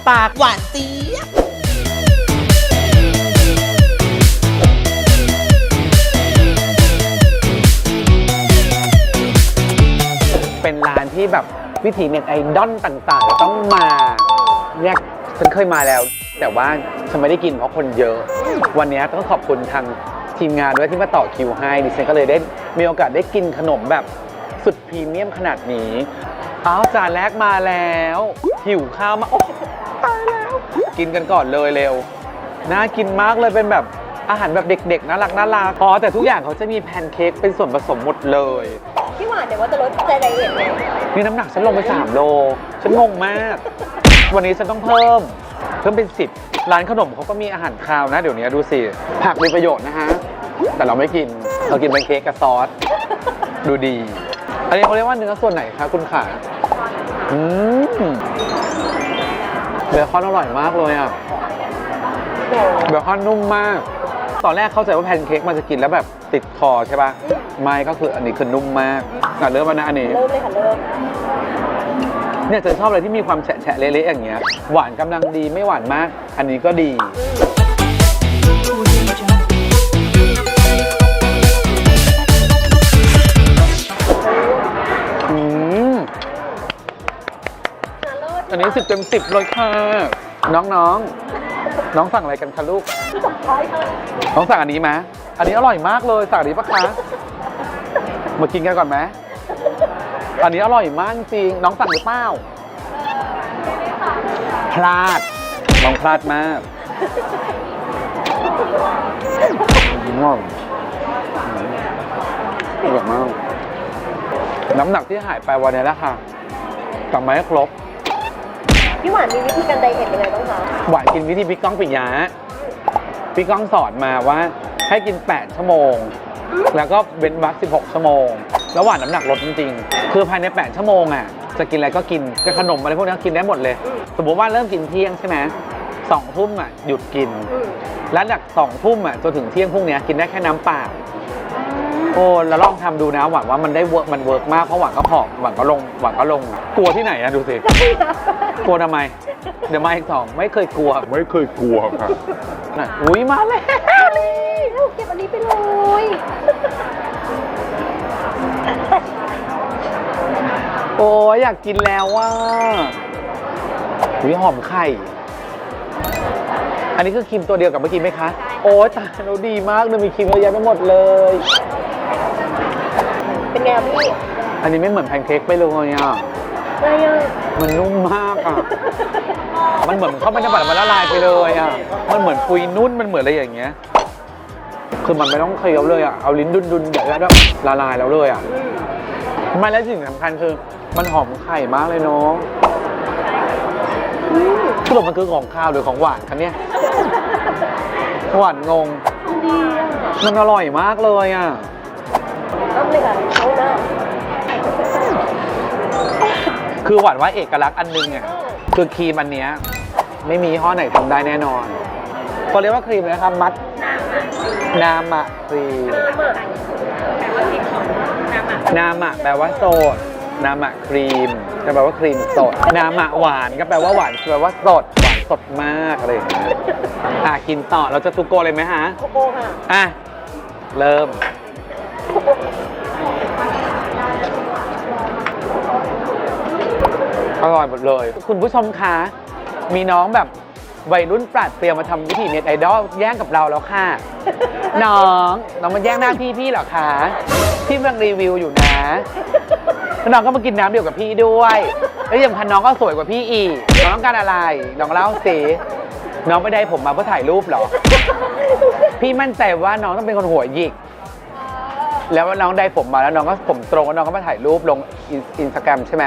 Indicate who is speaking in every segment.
Speaker 1: ปากหวานเจี๊ยบเป็นร้านที่แบบวิถีเน็ตไอดอลต่างๆต้องมาเนี่ยฉันเคยมาแล้วแต่ว่าฉันไม่ได้กินเพราะคนเยอะวันนี้ต้องขอบคุณทางทีมงานด้วยที่มาต่อคิวให้ดิฉันก็เลยได้มีโอกาสได้กินขนมแบบสุดพรีเมียมขนาดนี้อ้าวจานแรกมาแล้วหิวข้าวมาโอ้ตายแล้วกินกันก่อนเลยเร็วน่ากินมากเลยเป็นแบบอาหารแบบเด็กๆน่ารักอ๋อแต่ทุกอย่างเขาจะมีแพนเค้กเป็นส่วนผสมหมดเลย
Speaker 2: พี่หวานเดี๋ยวว่าจะลดใจไดเอทไง
Speaker 1: นี่น้ำหนักฉันลงไป3 โลฉันงงมากวันนี้ฉันต้องเพิ่มเป็น10ร้านขนมเขาก็มีอาหารคาวนะเดี๋ยวนี้ดูสิผักมีประโยชน์นะฮะแต่เราไม่กินเรากินเป็นเค้กกับซอสดูดีอันนี้เขาเรียกว่าเนื้อส่วนไหนคะคุณขาเบคอนอร่อยมากเลยอ่ะเบคอนนุ่มมากตอนแรกเข้าใจว่าแพนเค้กมันจะกินแล้วแบบติดคอใช่ป่ะไม่ก็คืออันนี้คือนุ่มมากเริ่มมานะอันนี้
Speaker 2: เริ่มเลยค่ะเริ่ม
Speaker 1: เนี่ยจะชอบอะไรที่มีความแฉะเละๆอย่างเงี้ยหวานกำลังดีไม่หวานมากอันนี้ก็ดีอันนี้10 เต็ม 10เลยค่ะน้องสั่งอะไรกันคะลูกน้องสั่งอันนี้ไหมอันนี้อร่อยมากเลยสั่งอันนี้ปะคะมากินกันก่อนไหมอันนี้อร่อยมากจริงน้องสั่งหรือเปล่าพลาดน้องพลาดมากง่วงอร่อยมากน้ำหนักที่หายไปวันนี้แล้วค่ะกลับมาให้ครบ
Speaker 2: พี่หวานมีวิธีการไดเอทยังไงบ้างคะ
Speaker 1: หวานกินวิธีพี่ก้องปิยะพี่ก้องสอนมาว่าให้กิน8 ชั่วโมงแล้วก็เว้นวรรค16 ชั่วโมงแล้วหวานน้ำหนักลดจริงๆคือภายใน8 ชั่วโมงอ่ะจะกินอะไรก็กินขนมอะไรพวกนี้กินได้หมดเลยสมมติว่าเริ่มกินเที่ยงใช่ไหม2 ทุ่มอ่ะหยุดกินแล้วจาก2 ทุ่มอ่ะจนถึงเที่ยงพวกนี้กินได้แค่น้ำเปล่าโอ้แล้วลองทำดูนะหวังว่ามันได้เวิร์กมากเพราะหวังก็ผอมหวังก็ลงกลัวที่ไหนอะดูสิกลัวทำไมเดี๋ยวมาอีก2ไม่เคยกลัวครับอุ้ยมาแล้ว
Speaker 2: เก็บอันนี้ไปเลย
Speaker 1: โอ้ยอยากกินแล้วว่าหอมไข่อันนี้คือครีมตัวเดียวกับเมื่อกี้ไหมคะโอ้ยตายเราดีมากเลยมีครีมเยอะแยะไปหมดเลย
Speaker 2: เป็นไงพี่
Speaker 1: อันนี้ไม่เหมือนแพนเค้กไปเลยอ่ะมันนุ่มมากอ่ะมันเหมือนเข้าไปในปากมันละลายไปเลยอ่ะมันเหมือนปุยนุ่นมันเหมือนอะไรอย่างเงี้ยคือมันไม่ต้องเคี้ยวเลยอ่ะเอาลิ้นดุนๆอย่างนี้แล้วละลายแล้วเลยอ่ะไม่และสิ่งสำคัญคือมันหอมไข่มากเลยน้องสรุปมันคือของข้าวหรือของหวานคะเนี่ยหวานงงมันอร่อยมากเลยอ่ะ
Speaker 2: ต้องเลยค่ะเขาหน้า
Speaker 1: คือหวานว่าเอกลักษณ์อันนึงเนี่ยคือครีมอันเนี้ยไม่มีห้อไหนทำได้แน่นอนเขาเรียกว่าครีมนะครับมัดนามะครีมนามะแปลว่าโสดนามะครีมก็แปลว่าครีมสดนามะหวานก็แปลว่าหวานแปลว่าสดหวานสดมากอะไรอย่างเงี้ยกินต่อเราจะทุกโกเลยไหมฮะ
Speaker 2: ทุกโกค่ะ
Speaker 1: เริ่มอร่อยหมดเลยคุณผู้ชมคะมีน้องแบบวัยรุ่นปราดเปรียวมาทำวิธีเน็ตไอดอลแย่งกับเราแล้วค่ะน้องมาแย่งหน้าพี่เหรอคะพี่กำลังรีวิวอยู่นะน้องก็มากินน้ำเดียวกับพี่ด้วยแล้วยังพันน้องก็สวยกว่าพี่อีกน้องต้องการอะไรน้องเล่าสิน้องไม่ได้ผมมาเพื่อถ่ายรูปหรอพี่มั่นใจว่าน้องต้องเป็นคนหัวหยิกแล้วน้องได้ผมมาแล้วน้องก็ผมตรงแล้วน้องก็มาถ่ายรูปลงอินสตาแกรมใช่ไหม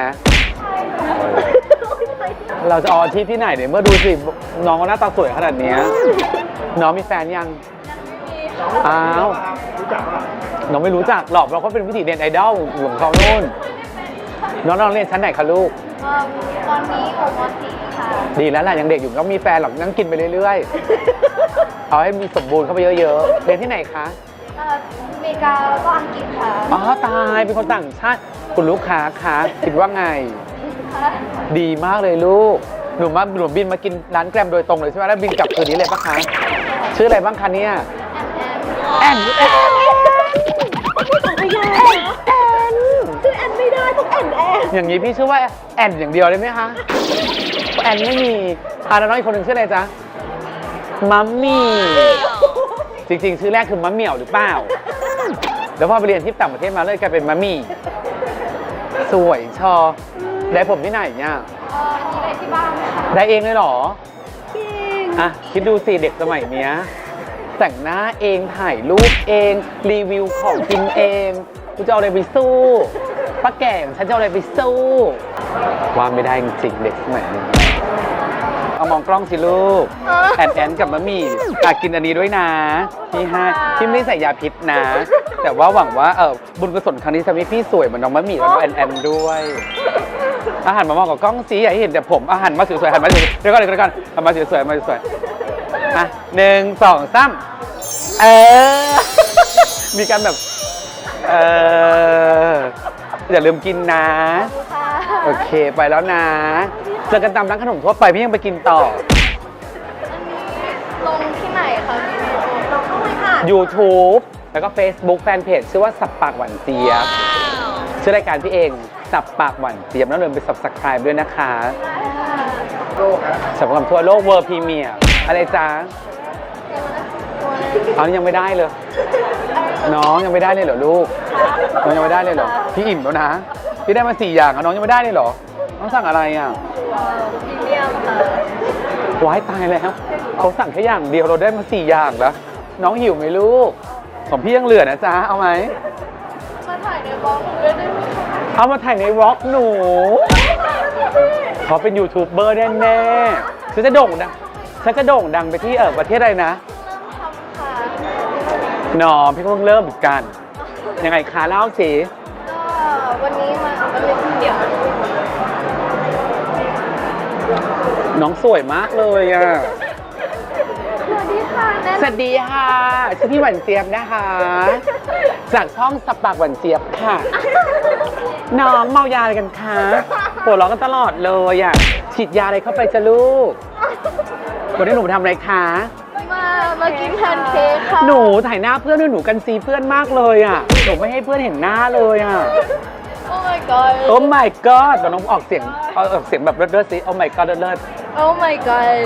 Speaker 1: เราจะเอาอาชีพที่ไหนเนี่ยเมื่อดูสิน้องก็หน้าตาสวยขนาดนี้น้องมีแฟนยังอ้าวน้องไม่รู้จักหรอกเราก็เป็นวิถีเน็ตไอดอลของเขาโน่นน้องเรียนชั้นไหนคะลูก
Speaker 2: ตอนนี้อยู่ม.4 ค่ะ
Speaker 1: ดีแล้วแหละยังเด็กอยู่ต้องมีแฟนหรอกนั่งกินไปเรื่อยๆเอาให้มีสมบูรณ์เข้าไปเยอะๆเรียนที่ไหนคะ
Speaker 2: อเมริกาแล้วก็อังกฤษค่ะ
Speaker 1: อ๋อตายเป็นคนต่างชาติคุณลูกค้าคะคิดว่าไงดีมากเลยลูกหนูบินมากินร้านแกรมโดยตรงเลยใช่ไหมแล้วบินกลับคืนนี้เลยปะคะชื่ออะไรบ้างคะเนี่ยแอน
Speaker 2: ชื่อแอนไม่ได้ต้องแอน
Speaker 1: อย่างนี้พี่ชื่อว่าแอนอย่างเดียวเลยไหมคะแอนไม่มีแล้วน้องอีกคนหนึ่งชื่ออะไรจ๊ะมัมมี่จริงๆชื่อแรกคือมัมเหมี่ยวหรือเปล่าแล้วพอไปเรียนที่ต่างประเทศมาเลยกลายเป็นมัมมี่สวยชอได้ผมที่ไหนเนี่ย
Speaker 2: อันนี้ได้ที่บ้านค่ะ
Speaker 1: ได้เองเลยเหรอ
Speaker 2: จริง
Speaker 1: อ่ะคิดดูสิเด็กสมัยเนี้ยแต่งหน้าเองถ่ายรูปเองรีวิวของกินเองกูจะเอาอะไรไปสู้ป้าแก่ฉันจะเอาอะไรไปสู้ว่าไม่ได้จริงๆเด็กสมัยนี้เอามองกล้องสิลูกแอนกับมะหมี่กินอันนี้ด้วยนะพี่ไม่ได้ใส่ยาพิษนะ แต่ว่าหวังว่าบุญกุศลครั้งนี้ทำให้พี่สวยเหมือนน้องมะหมี่แล้วก็แอนด้วยอาหารมามองกับกล้องสิอย่าให้เห็นแต่ผมอาหารมาสวยๆหันมาสวยๆเดี๋ยวก่อนหันมาสวยๆมาสวยๆ1 2 3มีการแบบอย่าลืมกินนะโอเคไปแล้วนะเจอกันตามร้านขนมทั่วไปพี่ยังไปกินต่อ
Speaker 2: อันนี้ลงที่ไหนคะเราเข้าไปค่ะ
Speaker 1: YouTube แล้วก็ Facebook แฟนเพจชื่อว่าสับปากหวานเจี๊ยบชื่อรายการพี่เองสับปากหวานเจี๊ยบแล้วลืมไป Subscribe ด้วยนะคะสับปากทั่วโลกเวอร์พรีเมียร์อะไรจ๊ะยังไม่ได้เลยน้องยังไม่ได้เลยเหรอลูกน้องยังไม่ได้เลยเหรอพี่อิ่มแล้วนะพี่ได้มา4 อย่างน้องยังไม่ได้เลยเหรอน้องสั่งอะไรอ่ะ
Speaker 2: พรีเมียมค่ะ
Speaker 1: ว้ายตายแล้วเขาสั่งแค่อย่างเดียวเราได้มา4 อย่างแล้วน้องหิวไหมลูกของพี่ยังเหลือนะจ๊ะเอาไหม
Speaker 2: มาถ่ายในบล็อกด้วยได้ไหม
Speaker 1: เอามาถ่ายในวอล์กหนูเขาเป็นยูทูบเบอร์แน่ๆฉันจะโด่งดังไปที่ประเทศอะไรนะ
Speaker 2: เริ่มทำค่ะ
Speaker 1: น้องพี่เพิ่งเริ่มเหมือนกันยังไงคะเล่าสิ
Speaker 2: ก็วันนี้มาเดี๋ยว
Speaker 1: น้องสวยมากเลยอ่ะ
Speaker 2: สวัสดีค่ะ
Speaker 1: สวัสดีค่ะชื่อพี่หวานเจี๊ยบนะคะจากช่องสับปากหวานเจี๊ยบค่ะน้องเมายาอะไรกันคะปวดร้องกันตลอดเลยอ่ะฉีดยาอะไรเข้าไปจะลูกวันนี้หนูทำอะไรคะ
Speaker 2: มากินแพนเค้กค่ะ
Speaker 1: หนูถ่ายหน้าเพื่อนด้วยหนูกันซีเพื่อนมากเลยอ่ะหนูไม่ให้เพื่อนเห็นหน้าเลยอ่ะ
Speaker 2: โอ้ my god
Speaker 1: โอ้ my god แต่น้องออกเสียงแบบเลิศๆสิโอ้ my god เลิศ
Speaker 2: โอ้ my god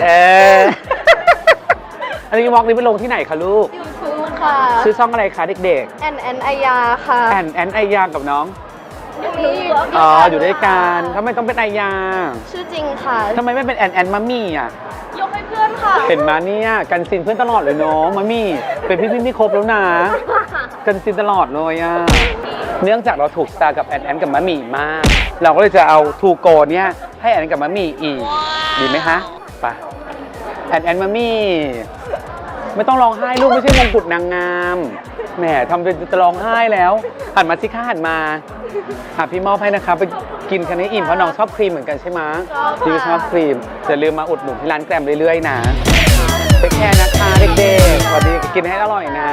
Speaker 1: อันนี้วอล์กนี้ไปลงที่ไหนคะลูก
Speaker 2: YouTube ค่ะ
Speaker 1: ชื่อช่องอะไรคะเด็ก
Speaker 2: ๆแอนไอยาค่ะ
Speaker 1: แอนไอยากับน้องอยู่ด้วยกันทำไมต้องเป็นไอยา
Speaker 2: ชื่อจริงค่ะ
Speaker 1: ทำไมไม่เป็นแอนมัมมี่อ่ะ
Speaker 2: ยกให้เพื่อนค่ะ
Speaker 1: เห็นมาเนี่ยกันซินเพื่อนตลอดเลยเนาะมัมมี่เป็นพี่ที่ครบแล้วนะกันซินตลอดเลยอ่ะเนื่องจากเราถูกสตาร์กับแอนกับมัมมี่มากเราก็เลยจะเอาทูโกเนี่ยให้แอนกับมัมมี่อีกดีไหมคะไปแอนมัมมี่ไม่ต้องร้องไห้ลูกไม่ใช่มงกุฎนางงามแหมทำเป็นจะร้องไห้แล้วหันมาสิค่ะหันมาพี่มอบให้นะคะไปกินคันนี้อิ่มเพราะน้องชอบครีมเหมือนกันใช่ไหมพี่ชอบครีมอย่าลืมมาอุดหนุนที่ร้านแกรมเรื่อยๆนะไปแค่นะคะเด็กๆสวัสดีกินให้อร่อยนะ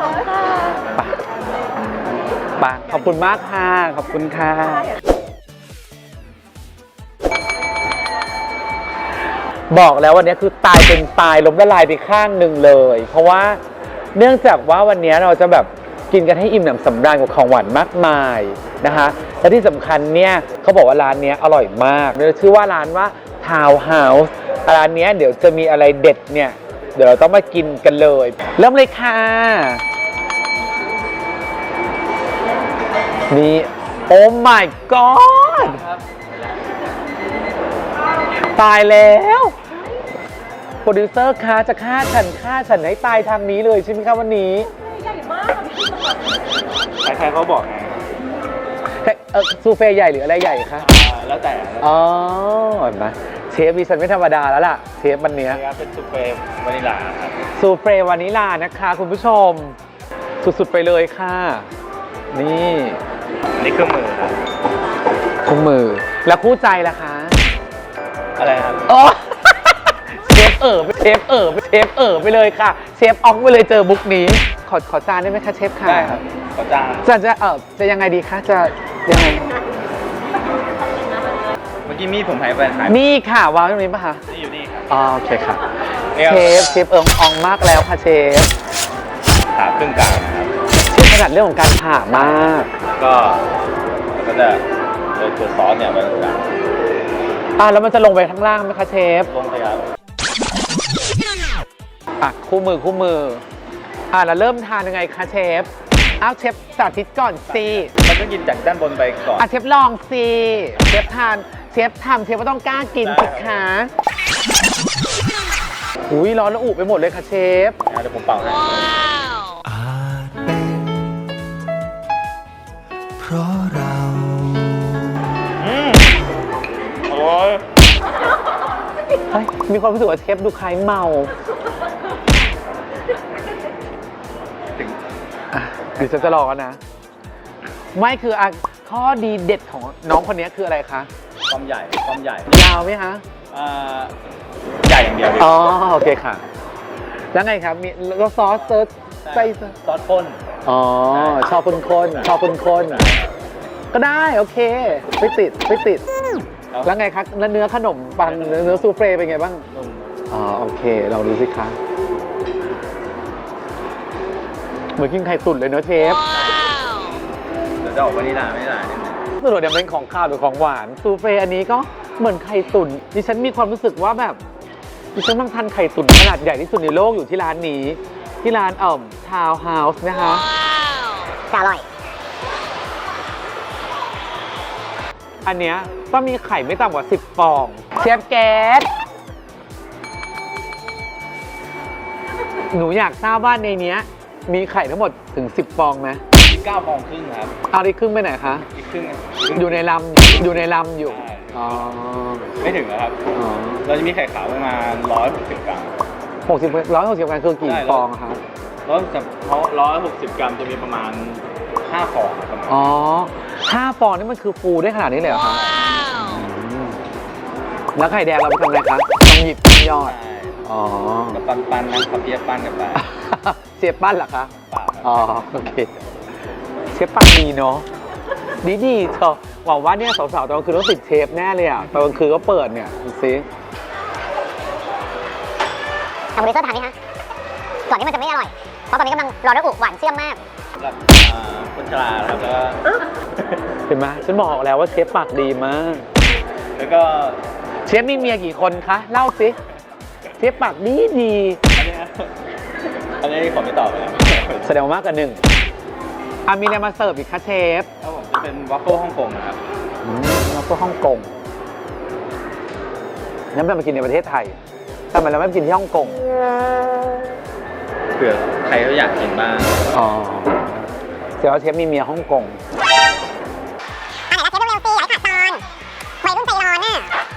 Speaker 1: ไปขอบคุณมากค่ะขอบคุณค่ะบอกแล้ววันนี้คือตายเป็นตายล้มละลายไปข้างหนึ่งเลยเพราะว่าเนื่องจากว่าวันนี้เราจะแบบกินกันให้อิ่มหนำสำราญกับของหวานมากมายนะคะและที่สำคัญเนี่ยเขาบอกว่าร้านนี้อร่อยมากชื่อว่าร้านว่า Town House ร้านนี้เดี๋ยวจะมีอะไรเด็ดเนี่ยเดี๋ยวเราต้องมากินกันเลยเริ่มเลยค่ะนี่โอ้ my god ตายแล้วโปรดิวเซอร์คะจะฆ่าฉันให้ตายทางนี้เลยใช่ไหมคะวันนี้
Speaker 2: ใหญ่มาก
Speaker 3: ใครเขาบอกไง
Speaker 1: ซูเฟ่ใหญ่หรืออะไรใหญ่คะ
Speaker 3: แล้วแต่
Speaker 1: อ๋อเห็นไหมเชฟดิฉันไม่ธรรมดาแล้วล่ะเชฟวันนี้
Speaker 3: เป็นซูเฟ่วานิลาครับ
Speaker 1: ซูเฟ่วานิลานะคะคุณผู้ชมสุดๆไปเลยค่ะนี่
Speaker 3: เครื่องมือครับ
Speaker 1: เครื่องมือแล้วคู่ใจล่ะคะ
Speaker 3: อะไรครับ
Speaker 1: อ๋อเชฟไปเลยค่ะเชฟออกไปเลยเจอบุ๊กนี้ขอจานได้ไหมคะเชฟค่ะ
Speaker 3: ได้ครับขอจาน
Speaker 1: จะยังไงดีคะจะยังไง
Speaker 3: เมื่อกี้มีดผมหายไป
Speaker 1: นี่ค่ะวางตรงนี้ป่ะคะ
Speaker 3: นี่อยู่นี่ครับ
Speaker 1: อ๋อโอเคค่ะ
Speaker 3: เอว
Speaker 1: เชฟเอิงอองมากแล้วค่ะเชฟ
Speaker 3: ขาครึ่งกลางนะครับ
Speaker 1: เชฟถนัดเรื่องของการผ่ามาก
Speaker 3: ก็จะโดยตัวซอสเนี่ยไว้ตรงกลาง
Speaker 1: แล้วมันจะลงไปข้างล่างไหมคะเชฟ
Speaker 3: ลงไปครับ
Speaker 1: คู่มือแล้วเริ่มทานยังไงคะเชฟเชฟสาธิตก่อนสิ
Speaker 3: มันต้องกินจากด้านบนไปก่อน
Speaker 1: เชฟลองสิเชฟทานเชฟทำเชฟก็ต้องกล้ากินสิคะอุ้ยร้อนระอุไปหมดเลยค่ะเชฟ
Speaker 3: เดี๋ยวผมเป่าให้
Speaker 4: อาจเป็นเพราะเรา
Speaker 3: โอ้ย
Speaker 1: เฮ้ยมีความรู้สึกว่าเชฟดูคล้ายเมาเดี๋ยวฉันจะรอนะ ไม่คือข้อดีเด็ดของน้องคนนี้คืออะไรคะ
Speaker 3: ความใหญ่
Speaker 1: ยาวไหมคะ
Speaker 3: ใหญ่อย่างเดียวดิ
Speaker 1: อ๋อโอเคค่ะ แล้วไงครับมีแล้วซอสเซิร์ชใส่
Speaker 3: ซอสข้น
Speaker 1: อ๋อชอบคนชอบคนก็ได้โอเคไม่ติดแล้วไงคะแล้วเนื้อขนมปังเนื้อซูเฟ่เป็นไงบ้าง
Speaker 3: นุ่ม
Speaker 1: อ๋อโอเคเราดูสิคะเหมือนกินไข่ตุ๋นเลยเนอะเชฟ
Speaker 3: เดี๋ยวจะออกวานิลลานิดนึง
Speaker 1: สรุปเนี่ยเป็นของข้าวหรือของหวานซูเฟ่อันนี้ก็เหมือนไข่ตุ๋นดิฉันมีความรู้สึกว่าแบบดิฉันต้องทานไข่ตุ๋นขนาดใหญ่ที่สุดในโลกอยู่ที่ร้านนี้ที่ร้านทาวน์เฮาส์นะคะอร่อยอันเนี้ยต้องมีไข่ไม่ต่ำกว่า10ฟองเชฟแก๊สหนูอยากทราบว่าในเนี้ยมีไข่ทั้งหมดถึง10ฟองไหม
Speaker 3: 9 ฟองครึ่งครับ
Speaker 1: เอาอีกครึ่งไปไหนคะ
Speaker 3: อีกครึ่ง
Speaker 1: อยู่ในลำอยู่
Speaker 3: ใช่
Speaker 1: อ๋อ
Speaker 3: ไม่ถึงนะครับ
Speaker 1: อ๋อ
Speaker 3: เราจะมีไข่ขาวประมาณ160 กรัม
Speaker 1: 160 กรัมคือกี่ฟองครับ
Speaker 3: 160 กรัมจะมีประมาณ5 ฟองประมาณ
Speaker 1: อ๋อ5 ฟองนี่มันคือฟูได้ขนาดนี้เลยเหรอครับแล้วไข่แดงเราไปทำอะไรครับต้องหยิบยอด
Speaker 3: ใช่
Speaker 1: อ๋อ
Speaker 3: กับปั้นนะครับเปี๊ยะปั้นกับปลา
Speaker 1: เชฟปั้นเหรอคะ
Speaker 3: ปลา
Speaker 1: อ๋อโอเคเชฟปั้นดีเนาะดีเธอหวังว่าเนี่ยสาวๆตอนกลางคืนต้องติดเชฟแน่เลยอ่ะตอนกลางคืนก็เปิดเนี่ยดูสิ
Speaker 5: ทำบริเซอร์ทานไหมคะก่อนที่มันจะไม่อร่อย เพราะตอนนี้กำลังรอระอุหวานเชื่อมมาก
Speaker 3: สำหรับคนชราครับแล้วก็
Speaker 1: เห็นไหมฉันบอกแล้วว่าเชฟปากดีมาก
Speaker 3: แล้วก็
Speaker 1: เชฟมีเมียกี่คนคะเล่าสิเชฟปากดี
Speaker 3: อันนี้ผมไม่ตอบไปแล้ว
Speaker 1: แสดงว่ามากกว่าหนึ่งมีอะไรมาเสิร์ฟอีกคะเชฟ
Speaker 3: ครับผมจะเป็นวัฟเฟิลฮ่องกงนะครับ
Speaker 1: แล้วก็ฮ่องกงงั้นเรามากินในประเทศไทยทำไมเราไม่ไปกินที่ฮ่องกง
Speaker 3: เผื่อใครเขาอยากกินบ้าง
Speaker 1: อ๋อเสียว่าเชฟมีเมียฮ่องกง
Speaker 5: อันไหนนะเชฟเร็วๆสิอย่าให้ขาดตอนวัยรุ่นใจร้อนน่ะ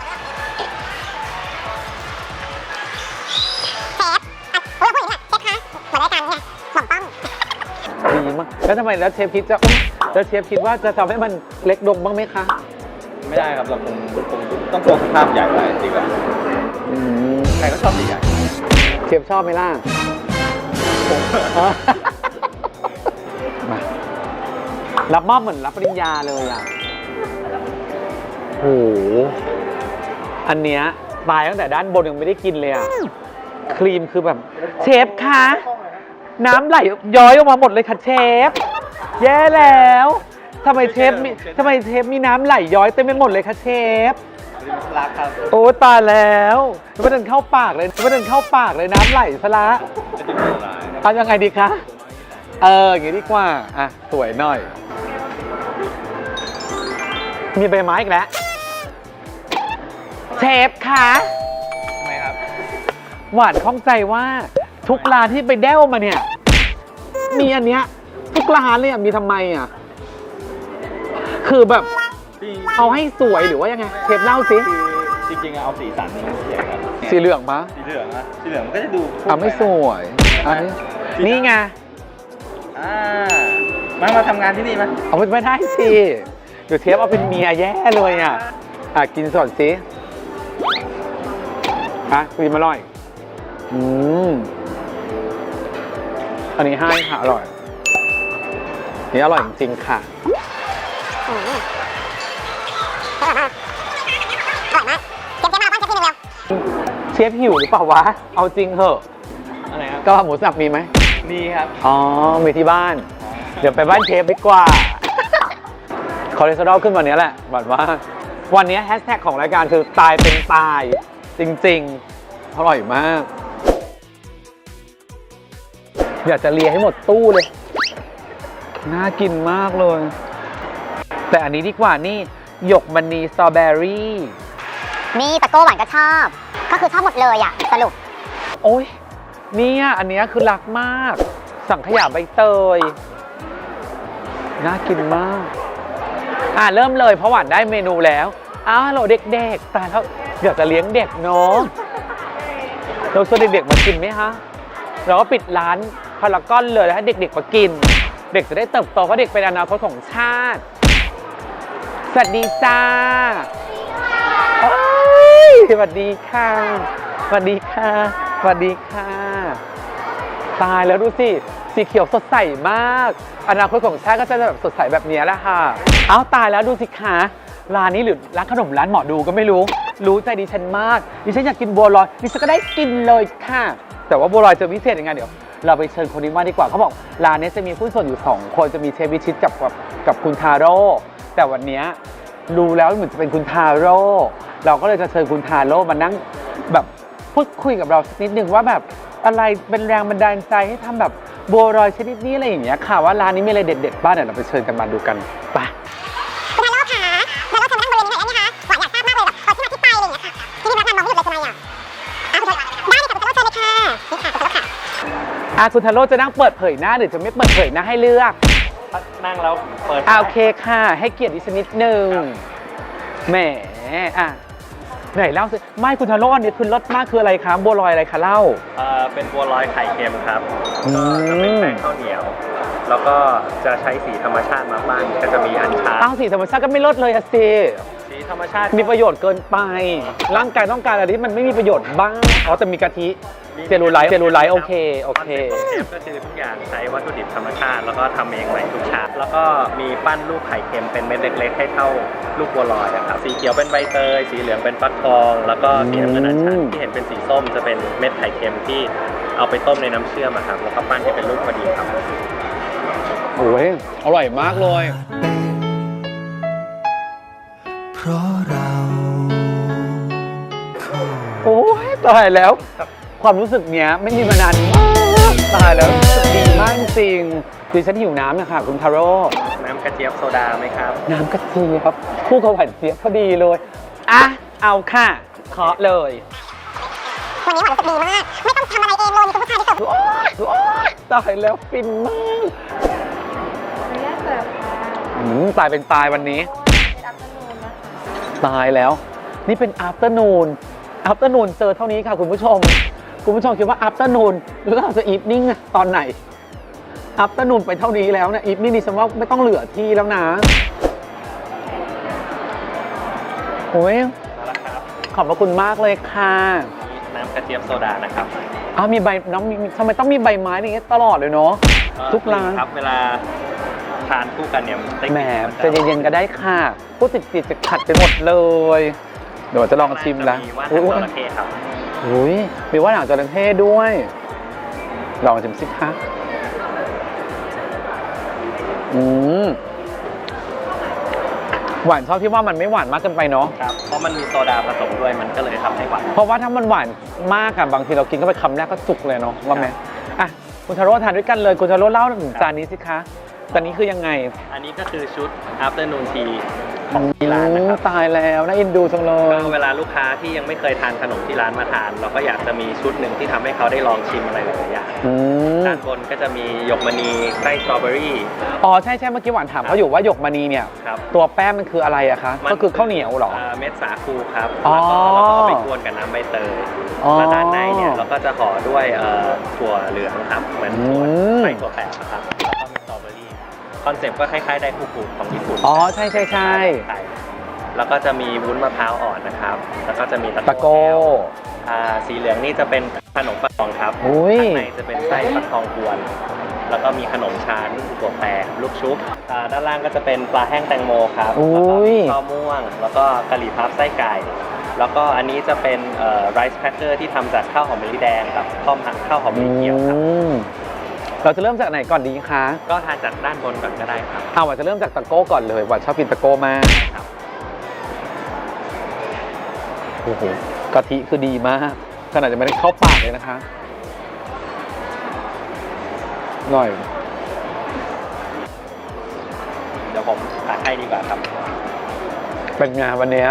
Speaker 5: เชฟเราพูดอย่างนี้เชฟคะเหมือนรายการเนี่ยหม่อมป้อม
Speaker 1: ดีมากแล้วทำไมแล้วเชฟคิดแล้วเชฟคิดว่าจะทำให้มันเล็กลงบ้างไหมคะ
Speaker 3: ไม่ได้ครับเราคงต้องโครงสภาพใหญ่ไว้ดีกว่าใครก็ชอบสีใหญ่
Speaker 1: เชฟชอบไหมล่ะ มารับมอบเหมือนรับปริญญาเลยอ่ะโหอันเนี้ยตายตั้งแต่ด้านบนยังไม่ได้กินเลยอ่ะครีมคือแบบเชฟคะน้ำไหลย้อยออกมาหมดเลยค่ะเชฟแย่แล้วทำไมเชฟมีน้ำไหลย้อยเต็มไปหมดเลยคะเชฟ
Speaker 3: รักครับ
Speaker 1: โอ้ตายแล้วไม่เดินเข้าปากเลยน้ำไหลซะละ
Speaker 3: จะถึงเวลา
Speaker 1: ทำยังไงดีคะอย่างนี้ดีกว่าอ่ะสวยหน่อยมีใบไม้อีกแล้วเชฟคะ
Speaker 3: ทำไมครับ
Speaker 1: หวานข้องใจว่าทุกร้านที่ไปแด้วมาเนี่ยมีอันเนี้ยทุกร้านเลยอ่ะมีทำไมอ่ะคือแบบเอาให้สวยหรือว่ายังไงเชฟเล่าสิ
Speaker 3: คือจริงๆเอาสีสันนี่เสียครับ
Speaker 1: สีเหลืองปะ
Speaker 3: สีเหลืองนะสีเหลืองมันก็จะดู
Speaker 1: ไม่สวยอันนี้นี่ไง
Speaker 3: มาทำงานที่นี่ไหม
Speaker 1: เอาไม่ได้สิเดี๋ยวเชฟเอาเป็นเมียแย่เลยอ่ะกินสดสิกินมาอร่อยอันนี้ให้ค่ะอร่อยนี่อร่อยจริงๆค่ะ
Speaker 5: อร่อยมากร่อยมากเจ๊มาเอาบ้านเจ๊ทีนึงเร็ว
Speaker 1: เชฟหิวหรือเปล่าวะ เอาจริงเหอะ
Speaker 3: อะไรครับ
Speaker 1: กะเพราหมูสับมีไหม
Speaker 3: มีครับ
Speaker 1: อ๋อ มีที่บ้าน เดี๋ยวไปบ้านเชฟดีกว่า คอเลสเตอรอลขึ้นวันนี้แหละหวังว่า วันนี้แฮชแท็กของรายการคือตายเป็นตาย จริงๆ อร่อยมาก อยากจะเลียให้หมดตู้เลย น่ากินมากเลย แต่อันนี้ดีกว่านี่หยกมณีสตรอเบอรี่
Speaker 5: นี่ตะโก้หวานก็ชอบ ก็คือชอบหมดเลยอ่ะสรุป
Speaker 1: โอ้ยเนี่ยอันเนี้ยคือรักมาก สังขยาใบเตย น่ากินมาก เริ่มเลยเพราะหวานได้เมนูแล้วอ้าวฮัลโหลเด็กๆตายแล้วอยากจะเลี้ยงเด็กเนาะเราชวนเด็กๆมากินไหมฮะเราก็ปิดร้านพารากอนเลยแล้วให้เด็กๆมากิน เด็กจะได้เติบโตเพราะเด็กเป็นอนาคตของชาติ สวัสดีจ้าโอ้ยสวัสดีค่ะสวัสดีค่ะสวัสดีค่ะตายแล้วดูสิสีเขียวสดใสมากอนาคตของชาติก็จะแบบสดใสแบบนี้แหละค่ะเอ้าตายแล้วดูสิคะร้านนี้หรือร้านขนมร้านหมอดูก็ไม่รู้ใจดิฉันมากดิฉันอยากกินบัวลอยดิฉันก็ได้กินเลยค่ะแต่ว่าบัวลอยจะพิเศษยังไงเดี๋ยวเราไปเชิญคนนี้มาดีกว่าเขาบอกร้านนี้จะมีผู้ส่วนอยู่2คนจะมีเชฟวิชิตกับคุณทาโร่แต่วันนี้รู้แล้วเหมือนจะเป็นคุณทาโร่เราก็เลยจะเชิญคุณทาโร่มานั่งแบบพูดคุยกับเราสักนิดนึงว่าแบบอะไรเป็นแรงบันดาลใจให้ทำแบบบัวลอยชนิดนี้อะไรอย่างเงี้ยค่ะว่าร้านนี้มีอะไรเด็ดๆบ้างเดี๋ยวเราไปเชิญกันมาดูกันไป
Speaker 5: คุณทาโร่ค่ะทาโร่เชิญมานั่งบริเวณนี้หน่อยได้ไหมคะหวานอยากทราบมากเลยแบบที่มาที่ไปอะไรอย่างเงี้ยค่ะที่นี่พนักงานมองไม่หยุดเลยทำไมอ่ะคุณทาโร่ได้เลยค่ะคุณทาโร่เชิญเลยค่ะนี่ค่ะคุณทาโร่ค่ะ
Speaker 1: คุณทาโร่จะนั่งเปิดเผยหน้าหรือจะไม่เปิดเผยหน้าให้เลือก
Speaker 3: นั่งแล้วเปิด
Speaker 1: โอเคค่ะ ให้เกียรติดิฉันนิดนึงแหมไหนเล่าสิไม่คุณทาโร่อันนี้คือรสมากคืออะไรคะบัวลอยอะไรคะเล่า
Speaker 3: เป็นบัวลอยไข่เค็มครับ
Speaker 1: อืม
Speaker 3: ก็จะเป็นแป้งข้าวเหนียว แล้วก็จะใช้สีธรรมชาติมาปั้นก็จะมีอัญชัน
Speaker 1: ตั้งสีธรรมชาติก็ไม่ลดเลยอะสิ
Speaker 3: สีธรรมชาติ
Speaker 1: มีประโยชน์เกินไป ร่างกายต้องการอะไรที่มันไม่มีประโยชน์บ้างอ๋อแต่มีกะทิเจลูไลท์โอเคโอเค
Speaker 3: ก็คือทุกอย่างใช้วัตถุดิบธรรมชาติ แล้วก็ทำเองใหม่ทุกชาติแล้วก็มีปั้นลูกไข่เค็มเป็นเม็ดเล็กๆให้เท่าลูกบัวลอยนะครับสีเขียวเป็นใบเตยสีเหลืองเป็นฟักทอง แล้วก็สีน้ำเงินอัญชันที่เห็นเป็นสีส้มจะเป็นเม็ดไข่เค็มที่เอาไปต้มในน้ำเชื่อมอะครับแล้วก็ปั้นให้เป็นลูกพอดีครับ
Speaker 1: โอ้ยอร่อยมากเลย
Speaker 4: เพราะเราคู่
Speaker 1: โอ้ยตายแล้ว ความรู้สึกเนี้ยไม่มีมานานมากตายแล้วรู้สึกดีมากจริงดิฉันหิวน้ำนะคะคุณทาโร่
Speaker 3: น้ำกระเจี๊ยบโซดาไหมครับ
Speaker 1: น้ำกะทิครับคู่กับหวานเจี๊ยบพอดีเลยอ่ะเอาค่ะเคาะเลย
Speaker 5: วันนี้หวานรู้สึกดีมาก ไม่ต้องทำอะไรเองเลยมีคุณผู้ชายที่เสิร์ฟ
Speaker 1: โอ๊ยตายแล้วฟินมาก
Speaker 2: ขออนุญาตเสิร์ฟค่ะ
Speaker 1: ตายเป็นตายวันนี้
Speaker 2: เป็นอัพเดนูนนะคะ
Speaker 1: ตายแล้ว นี่เป็น afternoon เจอเท่านี้ค่ะคุณผู้ชมคิดว่า afternoon หรือเราจะ evening อะตอนไหน afternoon ไปเท่านี้แล้วนะ evening นี่ฉันว่าไม่ต้องเหลือที่แล้วนะโอ้ย
Speaker 3: มาแล้วครับ
Speaker 1: ขอบพระคุณมากเลยค่ะ
Speaker 3: น้ำกระเจี๊ยบโซดานะครับ
Speaker 1: มีใบน้องทำไมต้องมีใบไม้อย่างเงี้ยตลอดเลยเนาะทุกร้าน
Speaker 3: ครับเวลาทานคู่กันเนี่ยได้
Speaker 1: แหม
Speaker 3: กลิ่น
Speaker 1: ใจะเย็นๆก็ได้ค่ะพูดติดจะขัดไปหมดเลยเดี๋ยวจะลองชิมละ
Speaker 3: มีว่านหางจระเข้ครับ
Speaker 1: อุ้ยมีว่านหางจระเข้ด้วย ลองชิมสิคะหวานชอบที่ว่ามันไม่หวานมากเกินไปเนาะ
Speaker 3: ครับเพราะมันมีโซดาผสมด้วยมันก็เลยทำให้หวาน
Speaker 1: เพราะว่าถ้ามันหวานมากอะบางทีเรากินก็ไปคำแรกก็จุกเลยเนาะว่าไหมอ่ะคุณทาโร่ทานด้วยกันเลยคุณทาโร่เล่าถึงจานนี้สิคะจานนี้คือยังไง
Speaker 3: อันนี้ก็คือชุด afternoon tea ของที่ร้านนะครับ
Speaker 1: ตายแล้วน่าเอ็นดูจังเล
Speaker 3: ก็
Speaker 1: ย
Speaker 3: เวลาลูกค้าที่ยังไม่เคยทานขนมที่ร้านมาทาน เราก็อยากจะมีชุดหนึ่งที่ทำให้เขาได้ลองชิมอะไรหลายๆอย่าง
Speaker 1: อืม
Speaker 3: ด้านบนก็จะมีหยกมณีไส้สตรอเบอรี่
Speaker 1: อ๋อใช่เมื่อกี้หวานถามเขาอยู่ว่าหยกมณีเนี่ย
Speaker 3: ครับ
Speaker 1: ตัวแป้งมันคืออะไรอะคะ
Speaker 3: มั
Speaker 1: ก็คือข้าวเหนียวเหรอ
Speaker 3: เม็ดสาคูครับ
Speaker 1: อ๋อ
Speaker 3: แล้วก็เราก็เอาไปกวนกับน้ำใบเตย
Speaker 1: อ๋อ
Speaker 3: แล้วด้านในเนี่ยเราก็จะห่อด้วยถั่วเหลืองครับเหมือนถั่ว
Speaker 1: อืม
Speaker 3: ใส่ถั่วแปบนะครับแล้วก็มีสตรอเบอรี่คอนเซ็ปต์ก็คล้ายๆไดฟูกุของญี่ปุ่น
Speaker 1: อ๋อใช่
Speaker 3: แล้วก็จะมีวุ้นมะพร้าวอ่อนนะครับ แล้วก็จะมี
Speaker 1: ตะ
Speaker 3: ตะ
Speaker 1: โก้
Speaker 3: แก้วสีเหลืองนี่จะเป็นขนมปังทองครับ
Speaker 1: อุ้ย
Speaker 3: ข้างในจะเป็นไส้ฟักทองกวน แล้วก็มีขนมชั้นถั่วแปบลูกชุบด้านล่างก็จะเป็นปลาแห้งแตงโมครับ
Speaker 1: อุ้
Speaker 3: แล้วก็
Speaker 1: ย
Speaker 3: มีข้าวม่วง แล้วก็กะหรี่พับไส้ไก่แล้วก็อันนี้จะเป็นไรซ์แครกเกอร์ที่ทำจากข้าวหอมมะลิแดงกับข้าวหอมมะลิเขียวครับ
Speaker 1: เราจะเริ่มจากไหนก่อนดีคะ
Speaker 3: ก็ทานจากด้านบนก่อนก็ได้ครับ
Speaker 1: หวานจะเริ่มจากตะโก้ก่อนเลยหวานชอบกินตะโก้มาก
Speaker 3: ครับ
Speaker 1: โอ้โหกะทิคือดีมากขนาดจะไม่ได้เข้าปากเลยนะคะหน่อย
Speaker 3: เดี๋ยวผมตักให้ดีกว่าครับ
Speaker 1: เป็นไงวันเนี้ย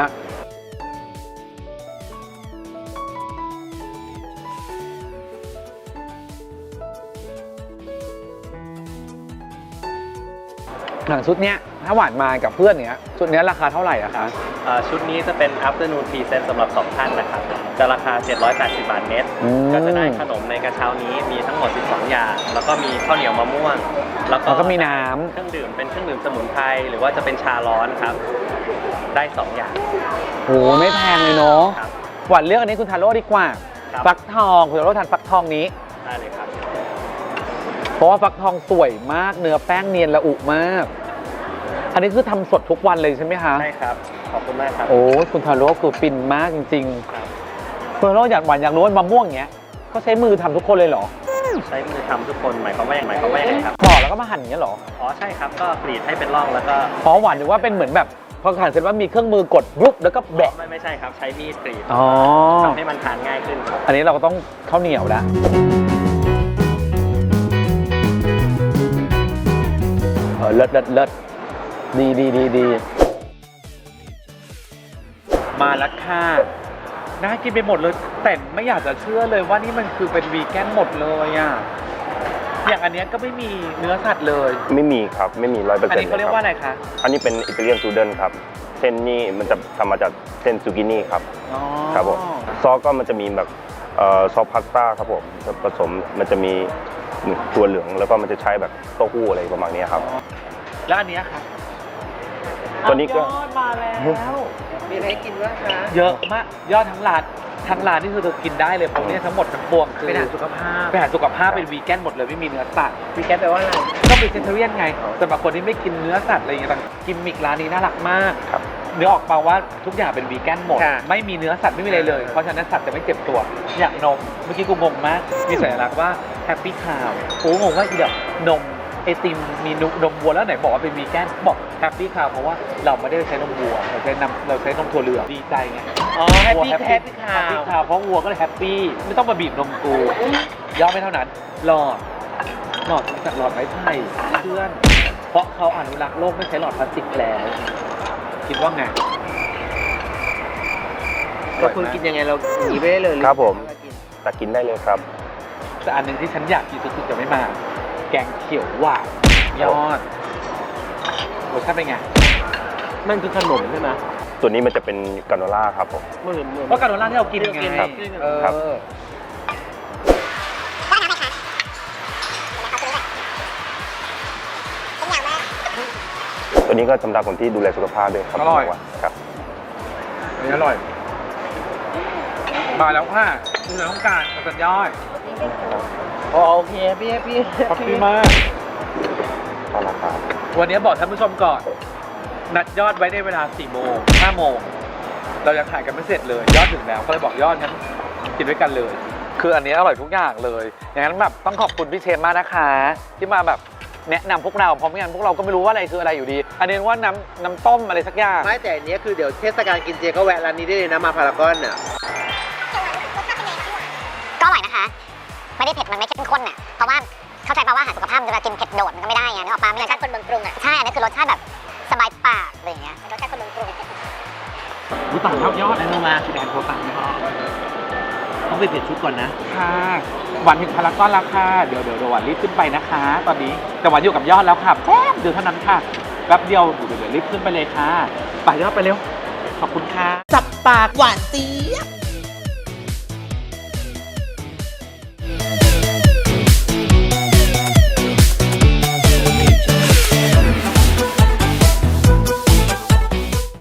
Speaker 1: หนังชุดเนี้ยถ้าหวานมากับเพื่อนเนี้ยชุดเนี้ยราคาเท่าไหร่อะคะ
Speaker 3: ชุดนี้จะเป็น afternoon tea set สำหรับ 2 ท่านนะครับ จะราคา 780 บาทเน็ต ก็จะได้ขนมในกระเช้านี้มีทั้งหมด 12 อย่าง แล้วก็มีข้าวเหนียวมะม่วง แล้วก็
Speaker 1: มีน้ำ
Speaker 3: เครื่องดื่มเป็นเครื่องดื่มสมุนไพรหรือว่าจะเป็นชาร้อนครับ ได้ 2 อย่าง
Speaker 1: โหไม่แพงเลยเนาะ
Speaker 3: ครับ
Speaker 1: หวานเลือกอันนี้คุณทาโร่ดีกว่า
Speaker 3: ครับ
Speaker 1: ฟักทองคุณทาโร่ทานฟักทองนี้
Speaker 3: ได้เลยครับ
Speaker 1: เพราะว่าฟักทองสวยมากเนื้อแป้งเนียนละอุมาก อันนี้คือทำสดทุกวันเลยใช่ไหมคะ
Speaker 3: ใช่ครับ ขอบคุณมากครับ
Speaker 1: โอ้คุณทาโร่คือฟินมากจริง
Speaker 3: ครับ
Speaker 1: ๆคุณทาโร่อยากหวานอยากรู้ว่ามะม่วงอย่างเงี้ยก็ใช้มือทำทุกคนเลยเหรอ
Speaker 3: ใช้มือทำทุกคนหมายความว่าอย่างไรครับ
Speaker 1: ปอกแล้วก็มาหั่นอย่างเงี้ยเหรอ
Speaker 3: อ๋อใช่ครับ ก็กรีดให้เป็นร่องแล้วก็
Speaker 1: เพราะหวานนึกว่าเป็นเหมือนแบบพอหั่นเสร็จว่ามีเครื่องมือกดรุบแล้วก็แบะ
Speaker 3: ไม่ใช่ครับ ใช้มีดกรีด
Speaker 1: อ๋อ
Speaker 3: ทำให้มันทานง่ายขึ้นครับ
Speaker 1: อันนี้เราก็ต้องข้าวเหนียวแล้วเลิศเลิศเลิศดีมาแล้วค่ะน่ากินไปหมดเลยแต่ไม่อยากจะเชื่อเลยว่านี่มันคือเป็นวีแกนหมดเลยอ่ะอย่างอันเนี้ยก็ไม่มีเนื้อสัตว์เลย
Speaker 6: ไม่มีครับ ไม่มี100%
Speaker 1: อันนี้เขาเรียกว่าอะไรคะ
Speaker 6: อันนี้เป็นอิตาเลียนซูเดนครับ เส้นนี้มันจะทำมาจากเส้นซูกินี่ครับ
Speaker 1: อ๋อ
Speaker 6: ครับผมซอสก็มันจะมีแบบซอสพาสต้าครับผมผสมมันจะมีตัวเหลืองแล้วก็มันจะใช้แบบเต้าหู้อะไรประมาณนี้ครับ
Speaker 1: แล้วอันเนี้ยค่ะ
Speaker 6: ตัวนี้ก็
Speaker 1: ยอดมาแล้ว
Speaker 2: มีอะไรกินบ้างคะ
Speaker 1: เยอะมากยอดทั้งร้านนี่คือเธอกินได้เลยเพราะเนี่ยทั้งหมดทั้งปวงคือ
Speaker 2: เป็นอาหารสุขภาพ
Speaker 1: เป็นอาหารสุขภาพเป็นวีแกนหมดเลยไม่มีเนื้อสัตว์
Speaker 2: วีแกนแปลว่าอะไร
Speaker 1: ก็เป็นเจนเทเรียนไงสำหรับคนที่ไม่กินเนื้อสัตว์อะไรอย่างเงี้ยแต่กิมมิกร้านนี้น่ารักมาก
Speaker 6: ครับ
Speaker 1: เนื้อออกมาว่าทุกอย่างเป็นวีแกนหมด
Speaker 2: ค่ะ
Speaker 1: ไม่มีเนื้อสัตว์ไม่มีอะไรเลย เพราะฉะนั้นสัตว์จะไม่เจ็บตัว อย่างนมเมื่อกี้กูงงมากมีสัญลักษณ์ว่าแฮปปี้คาวกูงงว่าอีแบบนมไอติมมีนมวัวแล้วไหนบอกว่าเป็นวีแกนบอกแฮปปี้คาวเพราะว่าเราไม่ได้ใช้นมวัวเราใช้นมถั่วเหลืองดีใจไง
Speaker 2: อ๋อแฮปปี้
Speaker 1: วัว
Speaker 2: แฮปปี้คา
Speaker 1: แฮปปี้คาวเพราะวัวก็เลยแฮปปี้ไม่ต้องมาบีบนมกูย่อไม่เท่านั้นหลอดจากหลอดไม้ไผ่เพื่อน เพราะเขาอนุรักษ์โลกไม่ใช้หลอดพลาสติกแล้ว คิดว่าไง
Speaker 2: เราควรกินยังไงเราหนีไปได้เลย
Speaker 6: ครับผม
Speaker 2: เวลากิน
Speaker 6: ตักกินได้เลยครับ
Speaker 1: แต่อันหนึ่งที่ฉันอยากกินสุดๆจะไม่มา แกงเขียวหวานยอดรสชาติเป็นไง
Speaker 2: มันคือขนมใช่ไหม
Speaker 6: ตัวนี้มันจะเป็นกราโนล่าครับผม
Speaker 2: เหมือน
Speaker 1: เพราะการโดนล่าที่เรากินไง
Speaker 2: ครับ
Speaker 1: เออ
Speaker 6: ครับ
Speaker 5: ก็น้ำไหมคะเดี๋ยวเขาซื้อด้วยเป็นอย่างมาก
Speaker 6: ตัวนี้ก็สำหรับคนที่ดูแลสุขภาพด้วยครับ
Speaker 1: อร่อย
Speaker 6: ครับ
Speaker 1: อันนี้อร่อย มาแล้วค่ะที่เราต้องการสัญญาณ
Speaker 2: อ๋อโอเคพี่
Speaker 1: ขอบคุณมาก
Speaker 6: ก็ราคา
Speaker 1: วันนี้บอกท่านผู้ชมก่อน นัดยอดไว้ในเวลา 4 โมง 5 โมง เรายังถ่ายกันไม่เสร็จเลย ยอดถึงแล้ว ก็เลยบอกยอดงั้นกินด้วยกันเลย คืออันนี้อร่อยทุกอย่างเลย อย่างนั้นแบบต้องขอบคุณพี่เชนมากนะคะ ที่มาแบบแนะนำพวกเรา เพราะไม่งั้นพวกเราก็ไม่รู้ว่าอะไรคืออะไรอยู่ดี อันนี้ว่าน้ำต้มอะไรสักอย่าง
Speaker 2: ไม่แต่อันเนี้ยคือเดี๋ยวเทศกาลกินเจก็แวะร้านนี้ได้เลยนะมาพารากอนอ่ะ
Speaker 5: ก็อร่อยนะคะ ไม่ได้เผ็ดมันไม่เข้มข้นอ่ะ เพราะว่าเข้าใจป่าวว่าอาหารสุขภาพมันจะกินเผ็ดโดดมันก็ไม่ได้ไงนึกออกป่ะไม่งั้นรสชาติคนเมืองกรุงอ่ะ ใช่ อันนี้คือรสชาติแบบสบายปากอะไรอย่างเงี้ยรสชาติคนเมืองกรุง
Speaker 1: รู้ต่างเท่ายอด
Speaker 2: แล้วมาคือแดนโทรสั่งไม่พอต้องไปเปลี่ยนชุดก่อนนะ
Speaker 1: ค่ะหวานถึงพารากอนแล้วค่ะ เดี๋ยวหวานรีบขึ้นไปนะคะ ตอนนี้แต่หวานอยู่กับยอดแล้วค่ะแป๊บเดียวเท่านั้นค่ะแป๊บเดียวเดี๋ยวรีบขึ้นไปเลยค่ะไปยอดไปเร็ว ขอบคุณค่ะ
Speaker 7: จับปากหวานเจี๊ยบ